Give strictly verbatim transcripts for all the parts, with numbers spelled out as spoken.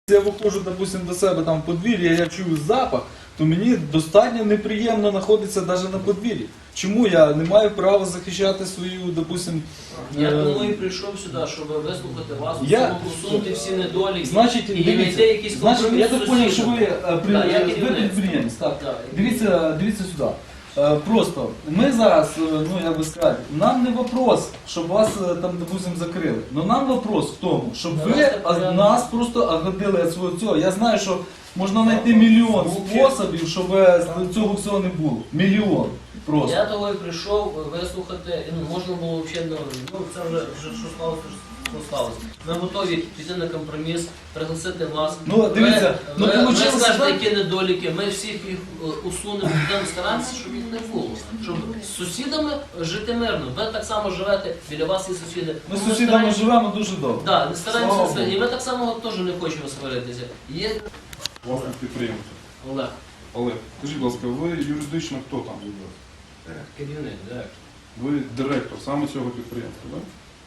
Я виходжу, допустим, до себе там в подвір'я, я чую запах, то мені достатньо неприємно знаходитися навіть на подвір'ї. Чому я не маю права захищати свою, допустим... Я е, тому і прийшов сюди, щоб вислухати вас, Я- усунути всі недоліки Значить, і дивіться, знайти якийсь значить, компроміс я з так зрозумів, що ви, сусідами. е, при- Да, я ви керівник. підприємець, так. Да. Дивіться, дивіться сюди. Е, Просто ми зараз, е, ну як би сказати, нам не вопрос, щоб вас е, там, допустим, закрили. Но нам вопрос в тому, щоб ви Давайте а, порядок. нас просто оградили від свого цього. Я знаю, що можна знайти мільйон способів, щоб е, цього всього не було. Мільйон. Просто. Я того і прийшов вислухати, ну, можна було взагалі, ну це вже, вже що сталося, що сталося. Ми готові піти на компроміс, пригласити вас. Ну, дивіться, ви, ну, ви, ви получилося скажете, так? які недоліки, ми всіх їх е, усунемо, будемо старатися, щоб їх не було. Щоб з сусідами жити мирно. Ви так само живете, біля вас є сусіди. Ми з Тому сусідами стараємося- живемо дуже добре. Да, не Слава стараємося, Богу. і ми так само теж не хочемо сваритися. Є Власник підприємця. Олег, Олег, скажіть, будь ласка, ви юридично хто там? керівник, директор. Ви директор саме цього підприємства, так?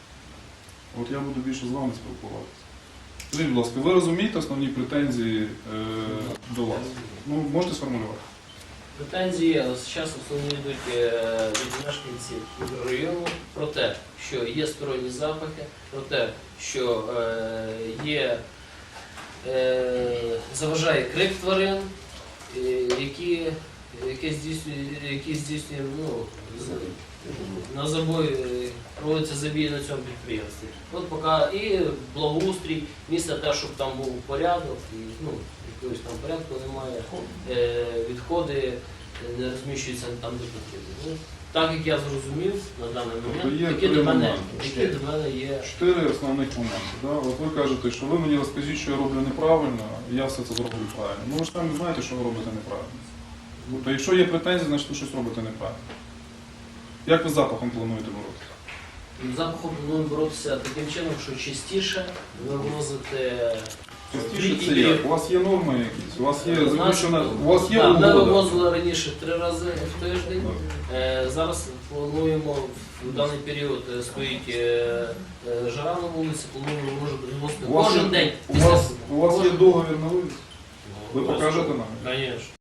От я буду більше з вами спілкуватися. Скажіть, будь ласка, ви розумієте основні претензії е, до вас? Ну, можете сформулювати? Претензії зараз основні йдуть е, від мешканців району про те, що є сторонні запахи, про те, що е, є, е, заважає крик тварин, е, які, які здійснює, які здійснює ну, з- на забой, е, проводиться забій на цьому підприємстві. От поки і благоустрій, місце те, щоб там був порядок, і, ну, якогось там порядку немає, е, відходи не розміщуються там, де потрібно. Ну, так як я зрозумів на даний Тобто момент, є такі три до мене, моменти. такі до мене є. Чотири основних моменти. Да? От ви кажете, що ви мені розкажіть, що я роблю неправильно, і я все це зроблю правильно. Ну ви ж самі знаєте, що ви робите неправильно. Тобто, якщо є претензії, значить ви щось робите неправильно. Як ви з запахом плануєте боротися? З запахом плануємо боротися таким чином, що частіше вивозити. Частіше це як? У вас є норми якісь, у вас є У нас- заключена, у вас є Да, ми угода. вивозили раніше три рази в тиждень. Е, Зараз плануємо в даний період е, стоїть е, е, жара на вулиці, плануємо може вивозити У вас кожен є- день. У вас, у вас є договір на вивіз? Ви Ну, покажете нам? Звісно.